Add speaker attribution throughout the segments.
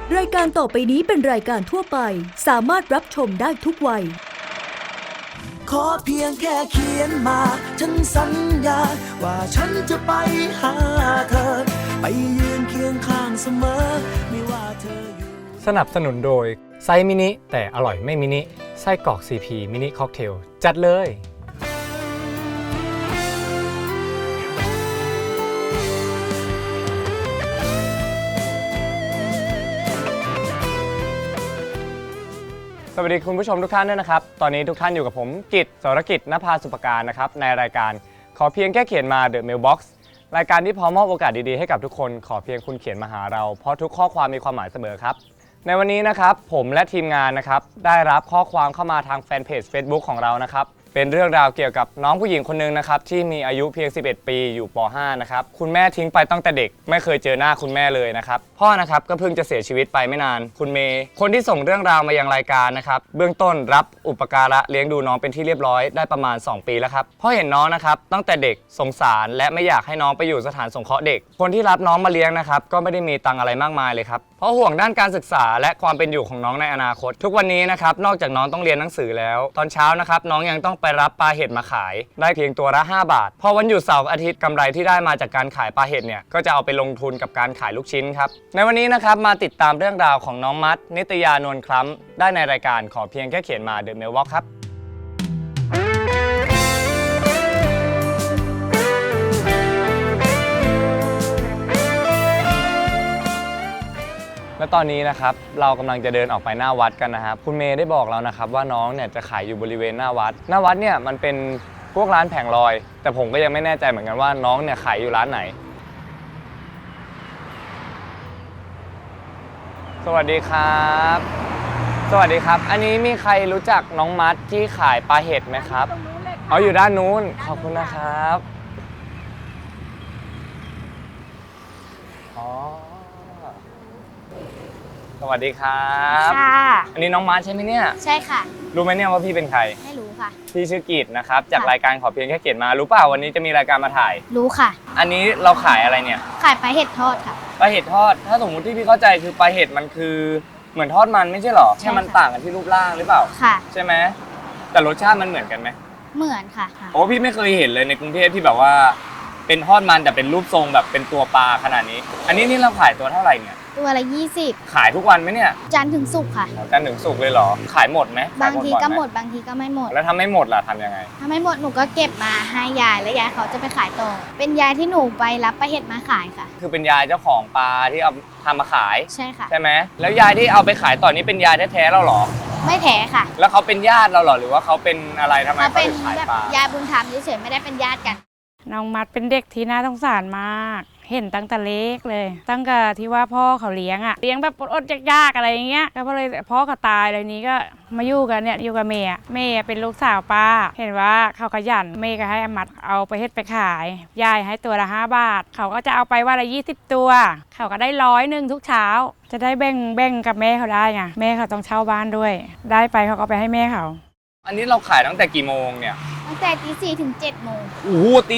Speaker 1: รายการต่อไปนี้เป็นรายการทั่วไปสามารถรับชมได้ทุกวัย
Speaker 2: ขอเพียงแค่เขียนมาฉันสัญญาว่าฉันจะไปหาเธอไปยืนเคียงข้างเสมอไม่ว่าเธออยู่
Speaker 3: สนับสนุนโดยไซส์มินิแต่อร่อยไม่มินิไส้กรอก CP มินิค็อกเทลจัดเลยสวัสดีคุณผู้ชมทุกท่านด้วยนะครับตอนนี้ทุกท่านอยู่กับผมกิต สรกิจ ณภาสุปการนะครับในรายการขอเพียงแค่เขียนมา The Mailbox รายการที่พร้อมมอบโอกาสดีๆให้กับทุกคนขอเพียงคุณเขียนมาหาเราเพราะทุกข้อความมีความหมายเสมอครับในวันนี้นะครับผมและทีมงานนะครับได้รับข้อความเข้ามาทางแฟนเพจ Facebook ของเรานะครับเป็นเรื่องราวเกี่ยวกับน้องผู้หญิงคนนึงนะครับที่มีอายุเพียง11ปีอยู่ป .5 นะครับคุณแม่ทิ้งไปตั้งแต่เด็กไม่เคยเจอหน้าคุณแม่เลยนะครับพ่อนะครับก็เพิ่งจะเสียชีวิตไปไม่นานคุณเมย์คนที่ส่งเรื่องราวมายังรายการนะครับเบื้องต้นรับอุปการะเลี้ยงดูน้องเป็นที่เรียบร้อยได้ประมาณ2 ปีแล้วครับพ่อเห็นน้องนะครับตั้งแต่เด็กสงสารและไม่อยากให้น้องไปอยู่สถานสงเคราะห์เด็กคนที่รับน้องมาเลี้ยงนะครับก็ไม่ได้มีตังอะไรมากมายเลยครับเพราะห่วงด้านการศึกษาและความเป็นอยู่ของน้องในอนาคตทุกวันนี้นะครับนอกจากน้องต้องเรียนหนังสือแล้วตอนเช้านะครับน้องยังต้องไปรับปลาเห็ดมาขายได้เพียงตัวละ5 บาทพอวันหยุดเสาร์อาทิตย์กำไรที่ได้มาจากการขายปลาเห็ดเนี่ยก็จะเอาไปลงทุนกับการขายลูกชิ้นครับในวันนี้นะครับมาติดตามเรื่องราวของน้องมัดนิตยานวลคล้ำได้ในรายการขอเพียงแค่เขียนมา The Mailbox ครับและตอนนี้นะครับเรากำลังจะเดินออกไปหน้าวัดกันนะครับคุณเมย์ได้บอกแล้วนะครับว่าน้องเนี่ยจะขายอยู่บริเวณหน้าวัดเนี่ยมันเป็นพวกร้านแผงลอยแต่ผมก็ยังไม่แน่ใจเหมือนกันว่าน้องเนี่ยขายอยู่ร้านไหนสวัสดีครับสวัสดีครับอันนี้มีใครรู้จักน้องมัดที่ขายปลาเห็ดไหมครับเอาอยู่ด้านนู้นขอบคุณนะครับอ๋อสวัสดีครับ
Speaker 4: ค่ะ
Speaker 3: อันนี้น้องมัดใช่ไหมเนี่ย
Speaker 4: ใช่ค่ะ
Speaker 3: รู้ไหมเนี่ยว่าพี่เป็นใคร
Speaker 4: ไม่รู้ค่ะ
Speaker 3: พี่ชื่อกิตนะครับจากรายการขอเพียงแค่เขียนมารู้เปล่าวันนี้จะมีรายการมาถ่าย
Speaker 4: รู้ค่ะ
Speaker 3: อันนี้เราขายอะไรเนี่ย
Speaker 4: ขายปลาเห็ดทอดค่ะ
Speaker 3: ปลาเห็ดทอดถ้าสมมุติที่พี่เข้าใจคือปลาเห็ดมันคือเหมือนทอดมันไม่ใช่หรอแค่มันต่างกันที่รูปร่างหรือเปล่า
Speaker 4: ค่ะ
Speaker 3: ใช่ไหมแต่รสชาติมันเหมือนกันไหม
Speaker 4: เหมือนค่ะ
Speaker 3: โอ้พี่ไม่เคยเห็นเลยในกรุงเทพที่แบบว่าเป็นทอดมันแต่เป็นรูปทรงแบบเป็นตัวปลาขนาดนี้อันนี้นี่เราขายตัวเท่าไหร่เนี่ย
Speaker 4: ตัวละ20
Speaker 3: ขายทุกวันไหมเนี่ย
Speaker 4: จันทร์ถึงศุกร์ค่ะ
Speaker 3: จันทร์ถึงศุกร์เลยเหรอขายหมดไหม
Speaker 4: บางทีก็หมดบางทีก็ไม่หมด
Speaker 3: แล้วถ้าไม่หมดล่ะทำยังไง
Speaker 4: ถ้าไม่หมดหนูก็เก็บมาให้ยายแล้วยายเขาจะไปขายต่อเป็นยายที่หนูไปรับปลาเห็ดมาขายค่ะ
Speaker 3: คือเป็นยายเจ้าของปลาที่เอาทำมาขาย
Speaker 4: ใช่ค่ะ
Speaker 3: ใช่ไหมแล้วยายที่เอาไปขายต่อนี้เป็นยายแท้ๆเราเหรอ
Speaker 4: ไม่แท้ค่ะ
Speaker 3: แล้วเขาเป็นญาติเราเหรอหรือว่าเขาเป็นอะไรทำไมเขาถึงขายปลาย
Speaker 4: ายบุญธรรมเฉยๆไม่ได้เป็นญาติกัน
Speaker 5: น้องมัดเป็นเด็กที่น่าสงสารมากเห็นตั้งแต่เล็กเลยตั้งแต่ที่ว่าพ่อเขาเลี้ยงแบบอดๆยากๆอะไรอย่างเงี้ยก็เลยพ่อเขาตายเลยนี้ก็มาอยู่กันเนี่ยอยู่กับเมย์เป็นลูกสาวป้าเห็นว่าเขาขยันเมย์ก็ให้มัดเอาไปเฮ็ดไปขายยายให้ตัวละ5 บาทเขาก็จะเอาไปวันละ20 ตัวเขาก็ได้100ทุกเช้าจะได้แบ่งกับแม่เขาได้ไงแม่เขาต้องเช่าบ้านด้วยได้ไปเขาก็ไปให้แม่เขา
Speaker 3: อันนี้เราขายตั้งแต่กี่โมงเนี่ย
Speaker 4: ตั้งแต่ตี 4 ถึง 7 โมง
Speaker 3: โอ้โหตี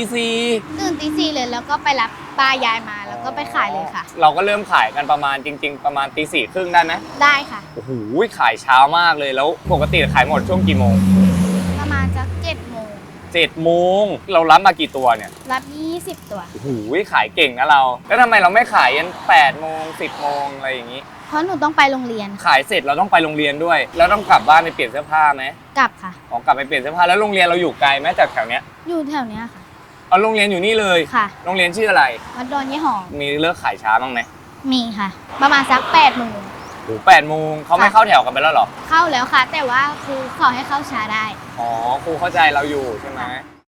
Speaker 3: 4
Speaker 4: ตื่นตี 4เลยแล้วก็ไปรับปลายายมาแล้วก็ไปขายเลยค่ะ
Speaker 3: เราก็เริ่มขายกันประมาณจริงๆประมาณตี 4 ครึ่งได้ไหม
Speaker 4: ได้ค่ะ
Speaker 3: โอ้โหขายเช้ามากเลยแล้วปกติขายหมดช่วงกี่โมง
Speaker 4: ประมาณสัก7 โมง
Speaker 3: 7 โมงเรารับมากี่ตัวเนี่ย
Speaker 4: รับ20 ตัว
Speaker 3: โอ้โหขายเก่งนะเราแล้วทำไมเราไม่ขายยัน8 โมง10 โมงอะไรอย่างนี้
Speaker 4: เพราะหนูต้องไปโรงเรียน
Speaker 3: ขายเสร็จเราต้องไปโรงเรียนด้วยแล้วต้องกลับบ้านไปเปลี่ยนเสื้อผ้าไหม
Speaker 4: กลับค่ะ
Speaker 3: กลับไปเปลี่ยนเสื้อผ้าแล้วโรงเรียนเราอยู่ไกลไหมจากแถวเนี้ย
Speaker 4: อยู่แถวเนี้ยค่ะ
Speaker 3: เอาโรงเรียนอยู่นี่เลย
Speaker 4: ค่ะ
Speaker 3: โรงเรียนชื่ออะไร
Speaker 4: วัดดอนยี่หอม
Speaker 3: มีเลิกขายช้าบ้างไหม
Speaker 4: มีค่ะประมาณสัก8 โมง
Speaker 3: โอ้8 โมงเขาไม่เข้าแถวกันไปแล้วหรอ
Speaker 4: เข้าแล้วค่ะแต่ว่าครูขอให้เข้าช้าได้
Speaker 3: อ๋อครูเข้าใจเราอยู่ใช่ไหม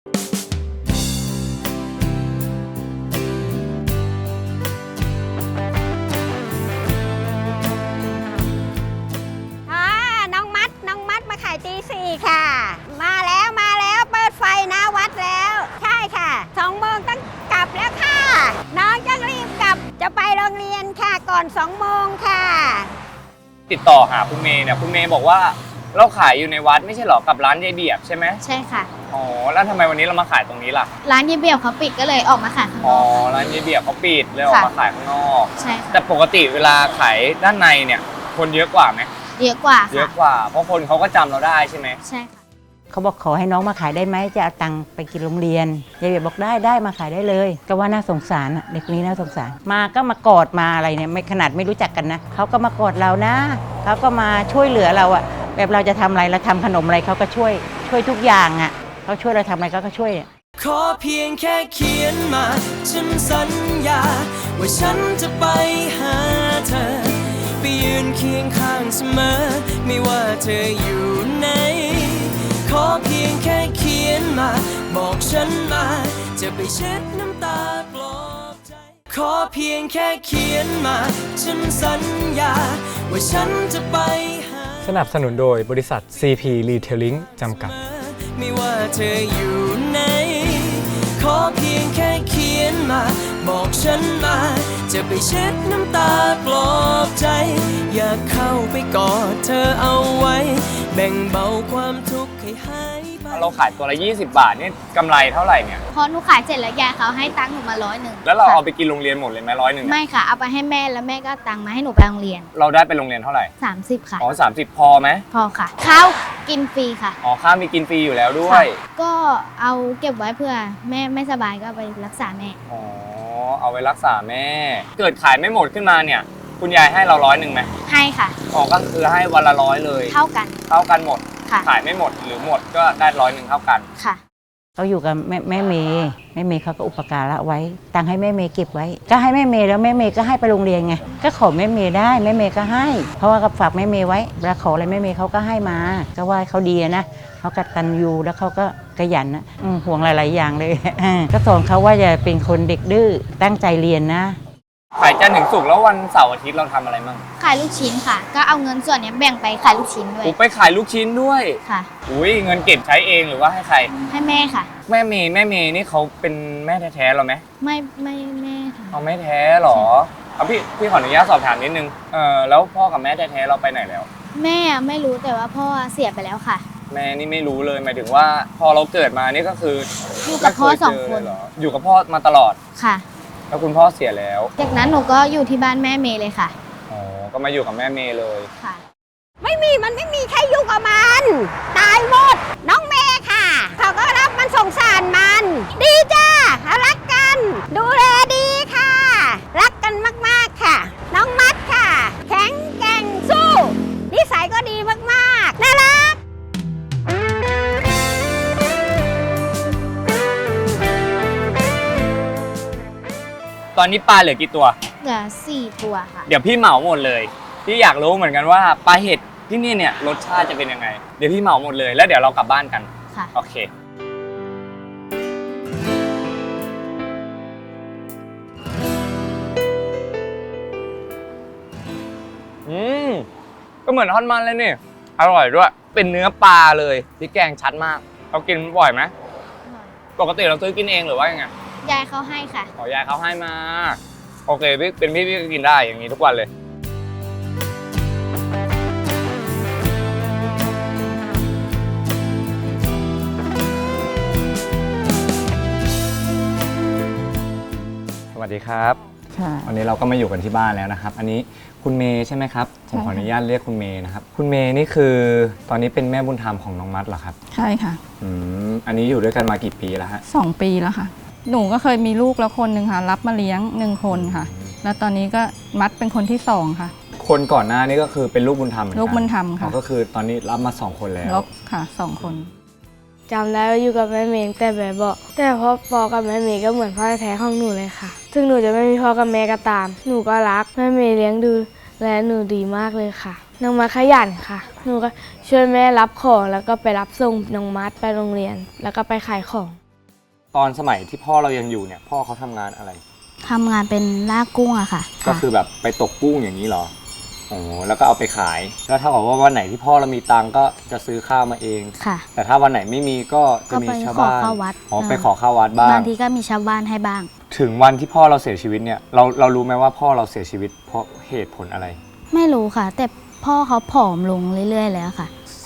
Speaker 6: ตี 4ค่ะมาแล้วเปิดไฟหน้าวัดแล้วใช่ค่ะ2 โมงต้องกลับแล้วค่ะน้องจะรีบกลับจะไปโรงเรียนค่ะก่อน2 โมงค่ะ
Speaker 3: ติดต่อหาคุณเมย์เนี่ยคุณเมย์บอกว่าเราขายอยู่ในวัดไม่ใช่หรอกับร้านยายเบียบใช่ไหม
Speaker 4: ใช่ค่ะ
Speaker 3: อ๋อแล้วทำไมวันนี้เรามาขายตรงนี้ล่ะ
Speaker 4: ร้านเยเบียบเขาปิดก็เลยออกมาขายข้างน
Speaker 3: อ๋อ
Speaker 4: อกค่ะ
Speaker 3: ร้านยายเบียบเขาปิดเลยออกมาขายข้างนอก
Speaker 4: ใช่ค่ะ
Speaker 3: แต่ปกติเวลาขายด้านในเนี่ยคนเยอะกว่าไหม
Speaker 4: เยอะกว่า
Speaker 3: เยอะ
Speaker 4: ค่ะ
Speaker 3: กว่าเพราะคนเขาก็จำเราได้ใช่ไหม
Speaker 4: ใช่ค่ะ
Speaker 7: เขาบอกขอให้น้องมาขายได้ไหมจะเอาตังค์ไปกินโรงเรียนยายเบียบบอกได้มาขายได้เลยก็ว่าน่าสงสารอะเด็กนี้น่าสงสารมาก็มากอดมาอะไรเนี่ยไม่ขนาดไม่รู้จักกันนะเขาก็มากอดเรานะเขาก็มาช่วยเหลือเราอะแบบเราจะทำอะไรเราทำขนมอะไรเขาก็ช่วยทุกอย่างอะเขาช่วยเราทำอะไรเขาก็ช่วย
Speaker 2: ขอเพียงแค่เขียนมาฉันสัญญาว่าฉันจะไปหาเธอไปยืนเคียงข้างเสมอไม่ว่าเธออยู่ไหนขอเพียงแค่เขียนมาบอกฉันมาจะไปเช็ดน้ำตาปลอบใจขอเพียงแค่เขียนมาฉันสัญญาว่าฉันจะไปหา
Speaker 3: สนับสนุนโดยบริษัท CP Retailing จำกัด
Speaker 2: ไม่ว่าเธออยู่ไหนขอเพียงแค่เขียนมาบอกฉันมาจะไปเช็ดน้ำตาปลอบใจอยากเข้าไปกอดเธอเอาไว้แบ่งเบาความทุกข์ให้หายไป
Speaker 3: เราขายตัวละ20 บาทนี่กำไรเท่าไหร่เนี่ย
Speaker 4: พอหนูขายเสร็จแล้วยายเขาให้ตังค์หนูมา100
Speaker 3: แล้วเราเอาไปกินโรงเรียนหมดเลยไหม100เนี่ย
Speaker 4: ไม่ค่ะ เอาไปให้แม่แล้วแม่ก็เอาตังค์มาให้หนูไปโรงเรียน
Speaker 3: เราได้ไปโรงเรียนเท่าไหร่
Speaker 4: 30 ค่ะ
Speaker 3: อ๋อ30 พอไหม
Speaker 4: พอค่ะข้าวกินฟรีค่ะ
Speaker 3: อ๋อข้าวมีกินฟรีอยู่แล้วด้วย
Speaker 4: ก็เอาเก็บไว้เพื่อแม่ไม่สบายก็เอาไปรักษาแม่
Speaker 3: อ๋อเอาไว้รักษาแม่ เกิดขายไม่หมดขึ้นมาเนี่ยคุณยายให้เรา100ไหม
Speaker 4: ให้ค่ะ
Speaker 3: อ๋อก็คือให้วันละ100เลย
Speaker 4: เท่ากัน
Speaker 3: เท่ากันหมด
Speaker 4: ค่ะ
Speaker 3: ขายไม่หมดหรือหมดก็ได้100เท่ากัน
Speaker 4: ค่ะ
Speaker 7: เขาอยู่กับแม่เมย์เขาก็อุปการะไว้ตังค์ให้แม่เมย์เก็บไว้ ก็ให้แม่เมย์แล้วแม่เมย์ก็ให้ไปโรงเรียนไงก็ขอแม่เมย์ได้แม่เมย์ก็ให้ เพราะว่าก็ฝากแม่เมย์ไว้เวลาขออะไรแม่เมย์เขาก็ให้มาก็ว่าเขาดีนะเขากตัญญูแล้วเขาก็ขยันนะห่วงหลายๆอย่างเลย ก็สอนเขาว่าอย่าเป็นคนเด็กดื้อตั้งใจเรียนนะ
Speaker 3: ขายจันทร์ถึงศุกร์แล้ววันเสาร์อาทิตย์เราทำอะไรบ้าง
Speaker 4: ขายลูกชิ้นค่ะ ก็เอาเงินส่วนเนี้ยแบ่งไปขายลูกชิ้นด้วย
Speaker 3: กูไปขายลูกชิ้นด้วย
Speaker 4: ค่ะ
Speaker 3: อุ้ยเงินเก็บใช้เองหรือว่าให้ใคร
Speaker 4: ให้แม่ค่ะ
Speaker 3: แม่เมย์นี่เขาเป็นแม่แท้ๆเราไหม
Speaker 4: ไม่แม่ค่ะ
Speaker 3: เอาแม่แท้เหรอเอาพี่ขออนุญาตสอบถามนิดนึงแล้วพ่อกับแม่แท้ๆเราไปไหนแล้ว
Speaker 4: แม่ไม่รู้แต่ว่าพ่อเสียไปแล้วค่ะ
Speaker 3: แม่นี่ไม่รู้เลยหมายถึงว่าพอเราเกิดมานี่ก็คือ
Speaker 4: อยู่กับพ่อ
Speaker 3: ไม่เย
Speaker 4: 2 คน
Speaker 3: เจเลยเหรออยู่กับพ่อมาตลอด
Speaker 4: ค่ะ
Speaker 3: แล้วคุณพ่อเสียแล้ว
Speaker 4: จากนั้นหนูก็อยู่ที่บ้านแม่เมย์เลยค่ะ
Speaker 3: อ๋อก็มาอยู่กับแม่เมย์เลย
Speaker 4: ค่ะ
Speaker 6: มันไม่มีใครยุ่งกับมันตายหมดน้องเมย์ค่ะเขาก็รับมันสงสารมัน ดีจ้ารักกัน ดูแลดีค่ะ รักกันมากๆค่ะ น้องมัดค่ะ แข็งแกร่งสู้นิสัยก็ดีมากๆน่ารัก
Speaker 3: ตอนนี้ปลาเหลือกี่ตัว
Speaker 4: เหลือ4 ตัวค่ะ
Speaker 3: เดี๋ยวพี่เหมาหมดเลยพี่อยากรู้เหมือนกันว่าปลาเห็ดที่นี่เนี่ยรสชาติจะเป็นยังไงเดี๋ยวพี่เหมาหมดเลยแล้วเดี๋ยวเรากลับบ้านกัน
Speaker 4: ค่ะ
Speaker 3: โอเคก็เหมือนทอดมันเลยนี่อร่อยด้วยเป็นเนื้อปลาเลยพริกแกงชัดมากเรากินบ่อยไหมปกติเราซื้อกินเองหรือว่ายังไง
Speaker 4: ยายเขาให้ค่ะ
Speaker 3: ขอยายเขาให้มาโอเคพี่เป็นพี่ก็กินได้อย่างนี้ทุกวันเลยสวัสดีครับ
Speaker 7: ค่ะ
Speaker 3: วันนี้เราก็มาอยู่กันที่บ้านแล้วนะครับ อันนี้คุณเมย์ใช่ไหมครับผมขออนุญาตเรียกคุณเมย์นะครับคุณเมย์นี่คือตอนนี้เป็นแม่บุญธรรมของน้องมัดเหรอครับ
Speaker 8: ใช่ค่ะ
Speaker 3: อันนี้อยู่ด้วยกันมากี่ปีแล้วฮะ
Speaker 8: 2 ปีแล้วค่ะ หนูก็เคยมีลูกแล้วคนหนึ่งค่ะ รับมาเลี้ยง1 คนค่ะ แล้วตอนนี้ก็มัดเป็นคนที่2ค่ะ
Speaker 3: คนก่อนหน้านี้ก็คือเป็นลูกบุญธรรมเหมือนกัน
Speaker 8: ลูกบุญธรรมค่ะ
Speaker 3: อ๋อก็คือตอนนี้รับมา2 คนแล้ว
Speaker 8: ลบค่ะ2 คน
Speaker 9: จำได้ว่าอยู่กับแม่เมย์ตั้งแต่แบบเบาะแต่พ่อกับแม่เมย์ก็เหมือนพ่อแท้ๆของหนูเลยค่ะ ถึงหนูจะไม่มีพ่อกับแม่ก็ตาม หนูก็รักแม่เมย์เลี้ยงดูและหนูดีมากเลยค่ะ น้องมัดขยันค่ะ หนูก็ช่วยแม่รับของแล้วก็ไปรับส่งน้องมัดไปโรงเรียน แล้วก็ไปขายของ
Speaker 3: ตอนสมัยที่พ่อเรายังอยู่เนี่ยพ่อเขาทำงานอะไร
Speaker 4: ทำงานเป็นลากกุ้งอะค่ะ
Speaker 3: ก็คือแบบไปตกกุ้งอย่างนี้เหรอโอ้แล้วก็เอาไปขาย แล้วถ้าบอกว่าวันไหนที่พ่อเรามีตังค์ก็จะซื้อข้าวมาเอง
Speaker 4: ค่ะ
Speaker 3: แต่ถ้าวันไหนไม่มีก็จะมีชาวบ้าน
Speaker 4: ก็ไปขอเข้าวัด
Speaker 3: อ๋อไปขอข้าววัดบ้าง
Speaker 4: บางทีก็มีชาวบ้านให้บ้าง
Speaker 3: ถึงวันที่พ่อเราเสียชีวิตเนี่ยเรารู้ไหมว่าพ่อเราเสียชีวิตเพราะเหตุผลอะไร
Speaker 4: ไม่รู้ค่ะ แต่พ่อเขาผอมลงเรื่อยๆแล้วค่ะ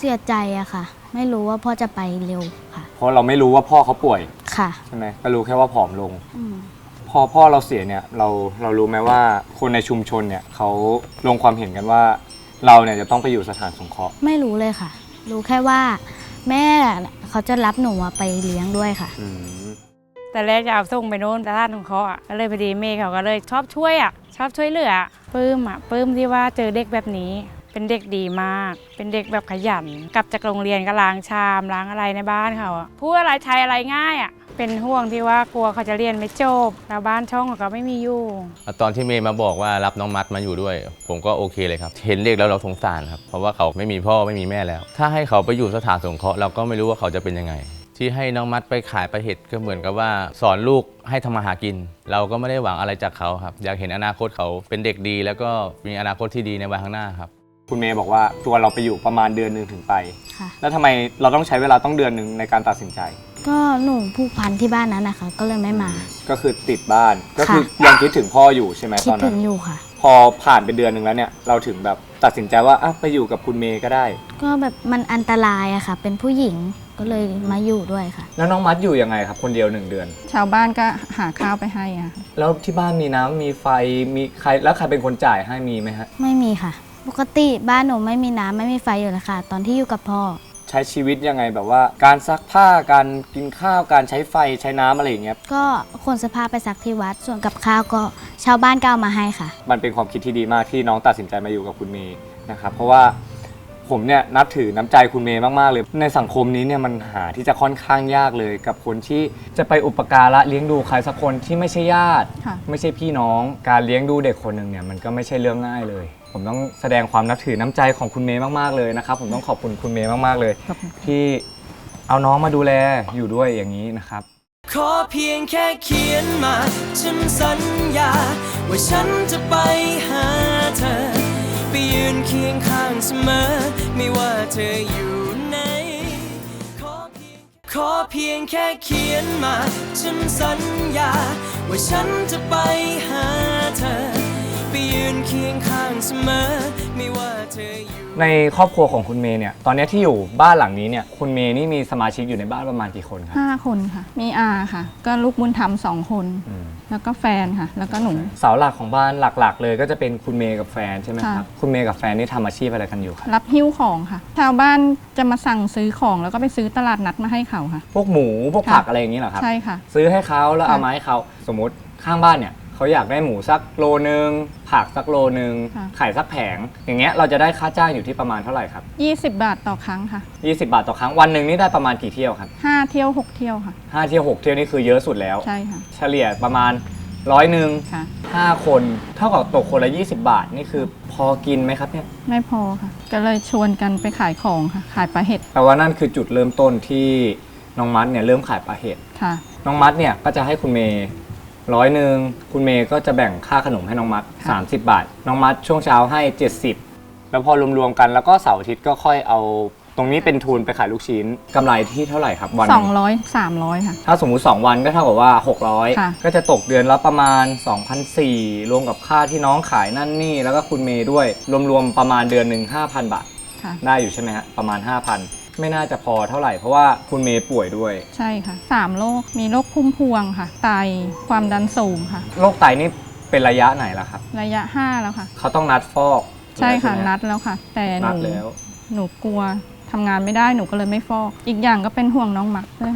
Speaker 4: เสียใจอะค่ะ ไม่รู้ว่าพ่อจะไปเร็วค่ะ
Speaker 3: เพราะเราไม่รู้ว่าพ่อเขาป่วย
Speaker 4: ค่ะ
Speaker 3: ใช่ไหมก็รู้แค่ว่าผอมลง
Speaker 4: อืม
Speaker 3: พอพ่อเราเสียเนี่ยเรารู้ไหมว่าคนในชุมชนเนี่ยเขาลงความเห็นกันว่าเราเนี่ยจะต้องไปอยู่สถานสงเคราะห์
Speaker 4: ไม่รู้เลยค่ะ รู้แค่ว่าแม่เขาจะรับหนูไปเลี้ยงด้วยค่ะ
Speaker 5: แต่แรกจะเอาส่งไปโน่นแต่ท่านของเขาก็เลยพอดีเมย์เขาก็เลยชอบช่วยชอบช่วยเหลือปลื้มที่ว่าเจอเด็กแบบนี้เป็นเด็กดีมาก เป็นเด็กแบบขยันกลับจากโรงเรียนก็ล้างชามล้างอะไรในบ้านเขาพูดอะไรใช้อะไรง่ายเป็นห่วงที่ว่ากลัวเขาจะเรียนไม่จบแล้วบ้านช่องเขาก็ไม่มีอยู่
Speaker 10: ตอนที่เมย์มาบอกว่ารับน้องมัดมาอยู่ด้วย ผมก็โอเคเลยครับเห็นเด็กแล้วเราสงสารครับเพราะว่าเขาไม่มีพ่อไม่มีแม่แล้ว ถ้าให้เขาไปอยู่สถานสงเคราะห์เราก็ไม่รู้ว่าเขาจะเป็นยังไงที่ให้น้องมัดไปขายปลาเห็ดก็เหมือนกับว่าสอนลูกให้ทำมาหากิน เราก็ไม่ได้หวังอะไรจากเขาครับอยากเห็นอนาคตเขาเป็นเด็กดีแล้วก็มีอนาคตที่ดีในวันข้างหน้าครับ
Speaker 3: คุณเมย์บอกว่าตัวเราไปอยู่ประมาณเดือนหนึ่งถึงไป
Speaker 4: ค่ะ
Speaker 3: แล้วทำไมเราต้องใช้เวลาต้องเดือนหนึ่งในการตัดสินใจ
Speaker 4: ก็หนูผูกพันที่บ้านนั้นนะคะ ก็เลยไม่มา
Speaker 3: ก็คือติดบ้านก็คือยังคิดถึงพ่ออยู่ใช่ไหม
Speaker 4: คิ
Speaker 3: ต
Speaker 4: ด
Speaker 3: อน
Speaker 4: ถึ
Speaker 3: นั้น
Speaker 4: งอยู่ค่ะ
Speaker 3: พอผ่านไปเดือนหนึ่งแล้วเนี่ยเราถึงแบบตัดสินใจว่าไปอยู่กับคุณเมย์ก็ได้
Speaker 4: ก็แบบมันอันตรายอะค่ะ เป็นผู้หญิงก็เลยมาอยู่ด้วยค่ะ
Speaker 3: แล้วน้องมัดอยู่ยังไงครับคนเดียว1 เดือน
Speaker 8: ชาวบ้านก็หาข้าวไปให้อะ
Speaker 3: แล้วที่บ้านมีน้ำมีไฟมีใครแล้วใครเป็นคนจ่ายให้มีไหมฮะ
Speaker 4: ไม่มีค่ะ ปกติบ้านหนูไม่มีน้ำไม่มีไฟอยู่แล้วค่ะ ตอนที่อยู่กับพ่อ
Speaker 3: ใช้ชีวิตยังไงแบบว่าการซักผ้าการกินข้าวการใช้ไฟใช้น้ำอะไรอย่างเงี้ย
Speaker 4: ก็ขนเสื้อผ้าไปซักที่วัดส่วนกับข้าวก็ชาวบ้านก็เอามาให้ค่ะ
Speaker 3: มันเป็นความคิดที่ดีมากที่น้องตัดสินใจมาอยู่กับคุณเมย์นะครับเพราะว่าผมเนี่ยนับถือน้ำใจคุณเมย์มากๆเลยในสังคมนี้เนี่ยมันหาที่จะค่อนข้างยากเลยกับคนที่จะไปอุปการะเลี้ยงดูใครสักคนที่ไม่ใช่ญาติ ไม่ใช่พี่น้องการเลี้ยงดูเด็กคนหนึ่งเนี่ยมันก็ไม่ใช่เรื่องง่ายเลยผมต้องแสดงความนับถือน้ำใจของคุณเมย์มากๆเลยนะครับผมต้องขอบคุณคุณเมย์มากๆเลยที่เอาน้องมาดูแลอยู่ด้วยอย่างนี้นะครับ
Speaker 2: ขอเพียงแค่เขียนมาฉันสัญญาว่าฉันจะไปหาเธอไปยืนเคียงข้างเสมอไม่ว่าเธออยู่ไหนขอเพียงแค่เขียนมาฉันสัญญาว่าฉันจะไปหาเธอไปยืนเคียงข้างเสมอไม่ว่าเธออยู่
Speaker 3: ในครอบครัวของคุณเมย์เนี่ยตอนนี้ที่อยู่บ้านหลังนี้เนี่ยคุณเมย์นี่มีสมาชิกอยู่ในบ้านประมาณกี่คนครับ
Speaker 8: 5 คนค่ะมีอาค่ะก็ลูกบุญธรรม2 คนแล้วก็แฟนค่ะแล้วก็หนู
Speaker 3: เสาหลักของบ้านหลักๆเลยก็จะเป็นคุณเมย์กับแฟนใช่ไหมครับคุณเมย์กับแฟนนี่ทำอาชีพอะไรกันอยู่ครับ
Speaker 8: รับหิ้วของค่ะชาวบ้านจะมาสั่งซื้อของแล้วก็ไปซื้อตลาดนัดมาให้เขาค่ะ
Speaker 3: พวกหมูพวกผักอะไรอย่างนี้เหรอครับ
Speaker 8: ใช่ค่ะ
Speaker 3: ซื้อให้เขาแล้วเอามาให้เขาสมมติข้างบ้านเนี่ยเขาอยากได้หมูสักโลนึงผักสักโลนึงไข่สักแผงอย่างเงี้ยเราจะได้ค่าจ้างอยู่ที่ประมาณเท่าไหร่ครับ
Speaker 8: 20 บาทต่อครั้งค่ะ
Speaker 3: 20 บาทต่อครั้งวันหนึ่งนี่ได้ประมาณกี่เที่ยวครับ
Speaker 8: 5 เที่ยว 6 เที่ยวค่ะ
Speaker 3: 5 เที่ยว 6 เที่ยวนี่คือเยอะสุดแล้ว
Speaker 8: ใช่ค่ะ
Speaker 3: เฉลี่ยประมาณ100 นึง
Speaker 8: ค่ะ
Speaker 3: 5 คนเท่ากับตกคนละ20 บาทนี่คือพอกินไหมครับเนี่ย
Speaker 8: ไม่พอค่ะก็เลยชวนกันไปขายของค่ะขายปลาเห็ด
Speaker 3: แปลว่านั่นคือจุดเริ่มต้นที่น้องมัดเนี่ยเริ่มขายปลาเห็ด
Speaker 8: ค่ะ
Speaker 3: น้องมัดเนี่ยก็จะให้คุณเมย์100 นึงคุณเมย์ก็จะแบ่งค่าขนมให้น้องมัด30 บาทน้องมัดช่วงเช้าให้70แล้วพอรวมๆกันแล้วก็เสาร์อาทิตย์ก็ค่อยเอาตรงนี้เป็นทุนไปขายลูกชิ้นกำไรที่เท่าไหร่ครับวัน
Speaker 8: 200 300ค่ะ
Speaker 3: ถ้าสมมุติ2 วันก็เท่ากับว่า600ก็จะตกเดือนละประมาณ 2,400 รวมกับค่าที่น้องขายนั่นนี่แล้วก็คุณเมย์ด้วยรวมๆประมาณเดือนหนึ่ง 5,000 บาทได้อยู่ใช่ไหมฮะประมาณ 5,000 ไม่น่าจะพอเท่าไหร่เพราะว่าคุณเมย์ป่วยด้วย
Speaker 8: ใช่ค่ะ3 โรคมีโรคพุ่มพวงค่ะไตความดันสูงค่ะ
Speaker 3: โรคไตนี่เป็นระยะไหนล่ะครับ
Speaker 8: ระยะ5แล้วค่ะ
Speaker 3: เขาต้องนัดฟอก
Speaker 8: ใช่ค่ะนัดแล้วค่ะแต่หนูกลัวทำงานไม่ได้หนูก็เลยไม่ฟอกอีกอย่างก็เป็นห่วงน้องมักด้วย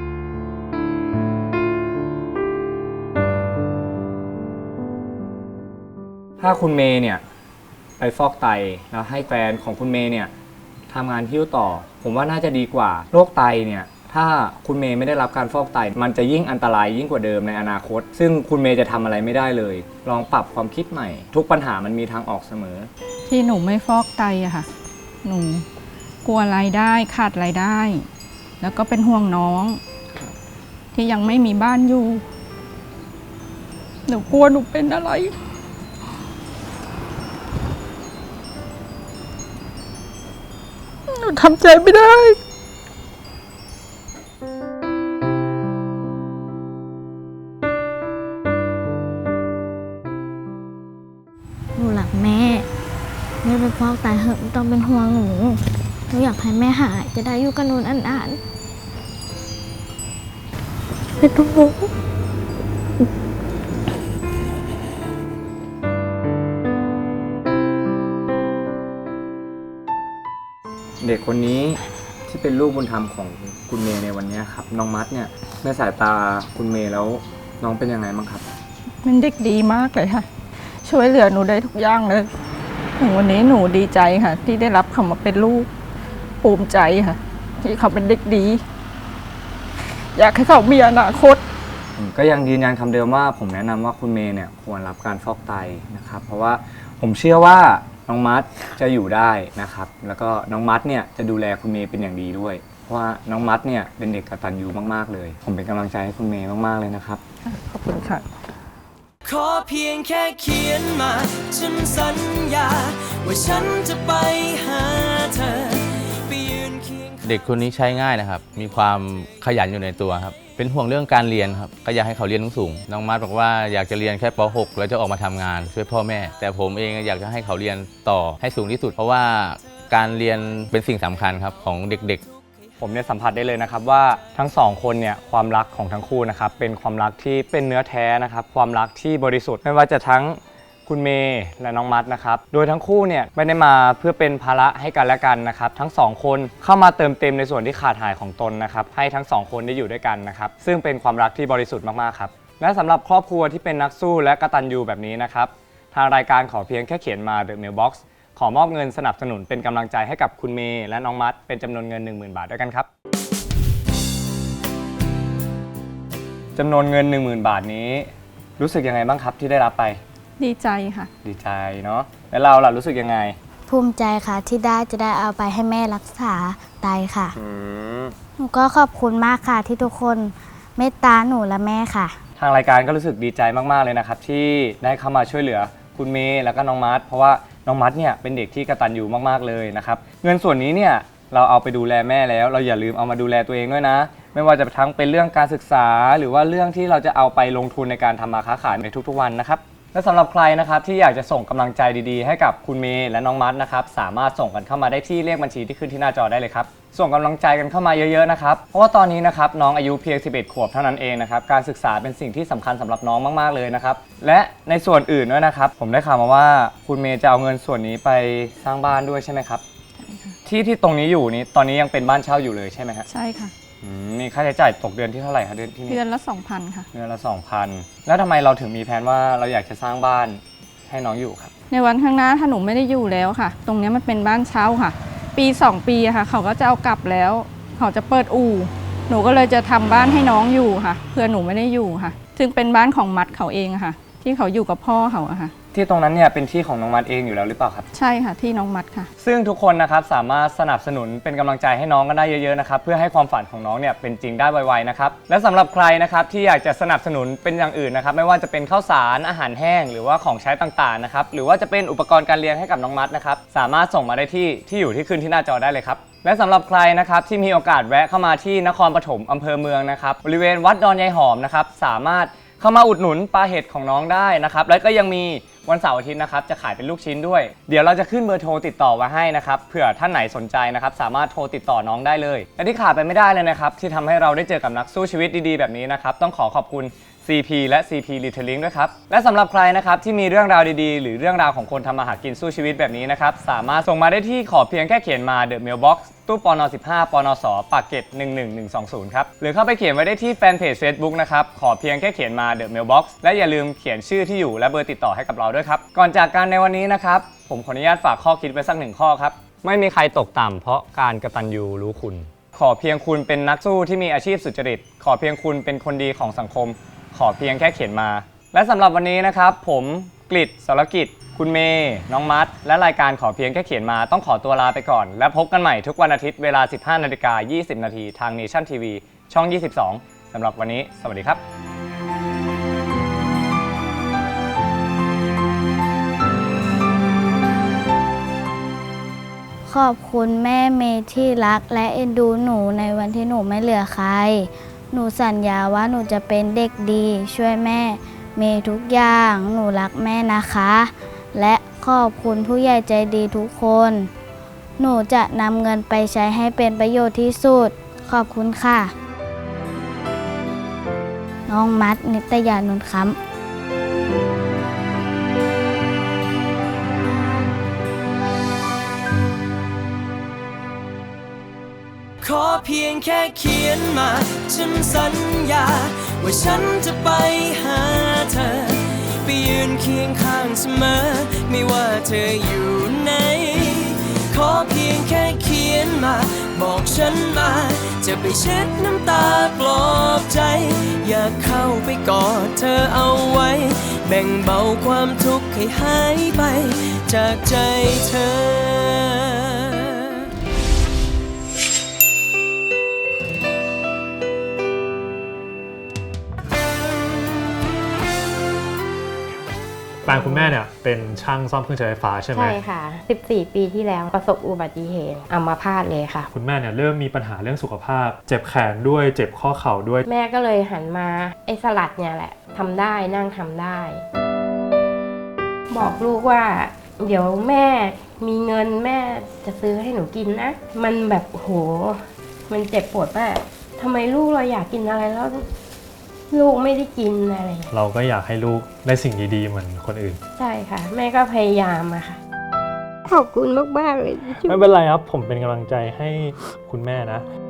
Speaker 3: ถ้าคุณเมย์เนี่ยไปฟอกไตแล้วให้แฟนของคุณเมย์เนี่ยทำงานหิ้วต่อผมว่าน่าจะดีกว่าโรคไตเนี่ยถ้าคุณเมย์ไม่ได้รับการฟอกไตมันจะยิ่งอันตรายยิ่งกว่าเดิมในอนาคตซึ่งคุณเมย์จะทำอะไรไม่ได้เลยลองปรับความคิดใหม่ทุกปัญหามันมีทางออกเสมอ
Speaker 8: ที่หนูไม่ฟอกไตอะค่ะหนูกลัวรายได้ขาดรายได้แล้วก็เป็นห่วงน้องที่ยังไม่มีบ้านอยู่หนูกลัวหนูเป็นอะไรหนูทำใจไม่ได้
Speaker 4: หนูรักแม่ไปฟอกไตเหอะไม่ต้องเป็นห่วงหนูนูอยากให้แม่หายจะได้อยู่กับหนูนานๆไม่ต้องรู้
Speaker 3: เด็กคนนี้ที่เป็นลูกบุญธรรมของคุณเมย์ในวันนี้ครับน้องมัดเนี่ยในสายตาคุณเมย์แล้วน้องเป็นยังไงบ้างครับ
Speaker 8: เป็นเด็กดีมากเลยค่ะ ช่วยเหลือหนูได้ทุกอย่างเลยถึงวันนี้หนูดีใจค่ะ ที่ได้รับเขามาเป็นลูกภูมิใจค่ะ ที่เขาเป็นเด็กดี อยากให้เขามีอนาคต
Speaker 3: ผมก็ยังยืนยันคำเดิมว่าผมแนะนำว่าคุณเมย์เนี่ยควรรับการฟอกไตนะครับเพราะว่าผมเชื่อว่าน้องมัดจะอยู่ได้นะครับแล้วก็น้องมัดเนี่ยจะดูแลคุณเมย์เป็นอย่างดีด้วยเพราะว่าน้องมัดเนี่ยเป็นเด็กกตัญญูมากๆเลยผมเป็นกำลังใจให้คุณเมย์มากๆเลยนะครับ
Speaker 8: ขอบคุณค่ะ
Speaker 2: ขอเพียงแค่เขียนมาฉันสัญญาว่าฉันจะไปหาเธอไปยืนเคียง
Speaker 10: เด็กคนนี้ใช้ง่ายนะครับ มีความขยันอยู่ในตัวครับ เป็นห่วงเรื่องการเรียนครับ ก็อยากให้เขาเรียนสูงๆน้องมัดบอกว่าอยากจะเรียนแค่ป .6 แล้วจะออกมาทำงานช่วยพ่อแม่ แต่ผมเองอยากจะให้เขาเรียนต่อให้สูงที่สุด เพราะว่าการเรียนเป็นสิ่งสำคัญครับของเด็กๆ
Speaker 3: ผมเนี่ยสัมผัสได้เลยนะครับว่าทั้งสองคนเนี่ยความรักของทั้งคู่นะครับเป็นความรักที่เป็นเนื้อแท้นะครับความรักที่บริสุทธิ์ไม่ว่าจะทั้งคุณเมย์และน้องมัดนะครับโดยทั้งคู่เนี่ยไม่ได้มาเพื่อเป็นภาระให้กันและกันนะครับทั้งสองคนเข้ามาเติมเต็มในส่วนที่ขาดหายของตนนะครับให้ทั้งสองคนได้อยู่ด้วยกันนะครับซึ่งเป็นความรักที่บริสุทธิ์มากๆครับและสำหรับครอบครัวที่เป็นนักสู้และกตัญญูแบบนี้นะครับทางรายการขอเพียงแค่เขียนมา The Mailbox ขอมอบเงินสนับสนุนเป็นกำลังใจให้กับคุณเมย์และน้องมัดเป็นจำนวนเงิน 10,000 บาทด้วยกันครับจำนวนเงิน 10,000 บาทนี้รู้สึกยังไงบ้างครับที่ได้รับไป
Speaker 8: ดีใจค่ะ
Speaker 3: ดีใจเนาะแล้วเราล่ะรู้สึกยังไง
Speaker 4: ภูมิใจค่ะที่จะได้เอาไปให้แม่รักษาไตค่ะหนูก็ขอบคุณมากค่ะที่ทุกคนเมตตาหนูและแม่ค่ะ
Speaker 3: ทางรายการก็รู้สึกดีใจมากๆเลยนะครับที่ได้เข้ามาช่วยเหลือคุณเมย์แล้วก็น้องมัดเพราะว่าน้องมัดเนี่ยเป็นเด็กที่กตัญญูมากๆเลยนะครับเงินส่วนนี้เนี่ยเราเอาไปดูแลแม่แล้วเราอย่าลืมเอามาดูแลตัวเองด้วยนะไม่ว่าจะทั้งเป็นเรื่องการศึกษาหรือว่าเรื่องที่เราจะเอาไปลงทุนในการทำมาค้าขายในทุกๆวันนะครับและสำหรับใครนะครับที่อยากจะส่งกำลังใจดีๆให้กับคุณเมย์และน้องมัดนะครับสามารถส่งกันเข้ามาได้ที่เลขบัญชีที่ขึ้นที่หน้าจอได้เลยครับส่งกำลังใจกันเข้ามาเยอะๆนะครับเพราะว่าตอนนี้นะครับน้องอายุเพียง11 ขวบเท่านั้นเองนะครับการศึกษาเป็นสิ่งที่สำคัญสำหรับน้องมากๆเลยนะครับและในส่วนอื่นด้วยนะครับผมได้ข่าวมาว่าคุณเมย์จะเอาเงินส่วนนี้ไปสร้างบ้านด้วยใช่ไหมครับที่ตรงนี้อยู่นี้ตอนนี้ยังเป็นบ้านเช่าอยู่เลยใช่ไหมครับ
Speaker 8: ใช่ค่ะ
Speaker 3: มีค่าใช้จ่ายตกเดือนที่เท่าไหร่คะเดือน
Speaker 8: ละ 2,000 ค่ะ
Speaker 3: เดือนละ 2,000 แล้วทำไมเราถึงมีแผนว่าเราอยากจะสร้างบ้านให้น้องอยู่ครับ
Speaker 8: ในวันข้างหน้าถ้าหนูไม่ได้อยู่แล้วค่ะตรงนี้มันเป็นบ้านเช่าค่ะปี2 ปีค่ะเขาก็จะเอากลับแล้วเขาจะเปิดอู่หนูก็เลยจะทำบ้านให้น้องอยู่ค่ะเพื่อหนูไม่ได้อยู่ค่ะซึ่งเป็นบ้านของมัดเขาเองค่ะที่เขาอยู่กับพ่อเขาค่ะ
Speaker 3: ที่ตรงนั้นเนี่ยเป็นที่ของน้องมัดเองอยู่แล้วหรือเปล่าครับ
Speaker 8: ใช่ค่ะที่น้องมัดค่ะ
Speaker 3: ซึ่งทุกคนนะครับสามารถสนับสนุนเป็นกำลังใจให้น้องกันได้เยอะๆนะครับเพื่อให้ความฝันของน้องเนี่ยเป็นจริงได้ไวๆนะครับและสำหรับใครนะครับที่อยากจะสนับสนุนเป็นอย่างอื่นนะครับไม่ว่าจะเป็นข้าวสารอาหารแห้งหรือว่าของใช้ต่างๆนะครับหรือว่าจะเป็นอุปกรณ์การเรียนให้กับน้องมัดนะครับสามารถส่งมาได้ที่อยู่ที่ขึ้นที่หน้าจอได้เลยครับและสำหรับใครนะครับที่มีโอกาสแวะเข้ามาที่นครปฐมอำเภอเมืองนะครับบริเวณวัดดอนยายหอมนะครับสามารถเข้ามาอุดหนุนปลาเห็ดของน้องได้นะครับแล้วก็ยังมีวันเสาร์อาทิตย์นะครับจะขายเป็นลูกชิ้นด้วยเดี๋ยวเราจะขึ้นเบอร์โทรติดต่อไว้ให้นะครับเผื่อท่านไหนสนใจนะครับสามารถโทรติดต่อน้องได้เลยและที่ขาดไปไม่ได้เลยนะครับที่ทำให้เราได้เจอกับนักสู้ชีวิตดีๆแบบนี้นะครับต้องขอบคุณ CP และ CP Retailing ด้วยครับและสำหรับใครนะครับที่มีเรื่องราวดีๆหรือเรื่องราวของคนทำมาหากินสู้ชีวิตแบบนี้นะครับสามารถส่งมาได้ที่ขอเพียงแค่เขียนมา The Mailbox ตู้ปน15ปนสปากเกร็ด11120ครับหรือเข้าไปเขียนไว้ได้ที่แฟนเพจ Facebook นะครับขอเพียงแค่เขียนมา The Mailbox และอย่าลืมเขียนชื่อที่อยู่และเบอร์ติดต่อให้กับเราด้วยครับก่อนจากกันในวันนี้นะครับผมขออนุญาตฝากข้อคิดไว้สัก1ข้อครับไม่มีใครตกต่ำเพราะการกตัญญูรู้คุณขอเพียงคุณเป็นนักสู้ที่มีอาชีพสุจริตขอเพียงคุณเป็นคนดีของสังคมขอเพียงแค่เขียนมาและสำหรับวันนี้นะครับผมกฤษ สรกิจคุณเมย์น้องมัดและรายการขอเพียงแค่เขียนมาต้องขอตัวลาไปก่อนและพบกันใหม่ทุกวันอาทิตย์เวลา 15:20 น.ทาง Nation TV ช่อง 22 สำหรับวันนี้สวัสดีครับ
Speaker 4: ขอบคุณแม่เมย์ที่รักและเอ็นดูหนูในวันที่หนูไม่เหลือใครหนูสัญญาว่าหนูจะเป็นเด็กดีช่วยแม่เมย์ทุกอย่างหนูรักแม่นะคะและขอบคุณผู้ใหญ่ใจดีทุกคนหนูจะนำเงินไปใช้ให้เป็นประโยชน์ที่สุดขอบคุณค่ะน้องมัดนิตยานนท์ค้ำ
Speaker 2: ขอเพียงแค่เขียนมาฉันสัญญาว่าฉันจะไปหาเธอไปยืนเคียงข้างเสมอไม่ว่าเธออยู่ไหนขอเพียงแค่เขียนมาบอกฉันมาจะไปเช็ดน้ำตาปลอบใจอยากเข้าไปกอดเธอเอาไว้แบ่งเบาความทุกข์ให้หายไปจากใจเธอ
Speaker 11: แฟนคุณแม่เนี่ยเป็นช่างซ่อมเครื่องใช้ไฟฟ้าใช่ไหม
Speaker 12: ใช่ค่ะ 14 ปีที่แล้วประสบอุบัติเหตุอัมพาตเลยค่ะ
Speaker 11: คุณแม่เนี่ยเริ่มมีปัญหาเรื่องสุขภาพเจ็บแขนด้วยเจ็บข้อเข่าด้วย
Speaker 12: แม่ก็เลยหันมาไอ้สลัดเนี่ยแหละทำได้นั่งทำได้ บอกลูกว่าเดี๋ยวแม่มีเงินแม่จะซื้อให้หนูกินนะมันแบบโหมันเจ็บปวดมากทำไมลูกเราอยากกินอะไรแล้วลูกไม่ได้กินอะไร
Speaker 11: เราก็อยากให้ลูกได้สิ่งดีๆเหมือนคนอื่น
Speaker 12: ใช่ค่ะแม่ก็พยายามอะค่ะขอบคุณมากๆเลย
Speaker 11: ไม่เป็นไรครับผมเป็นกำลังใจให้คุณแม่นะ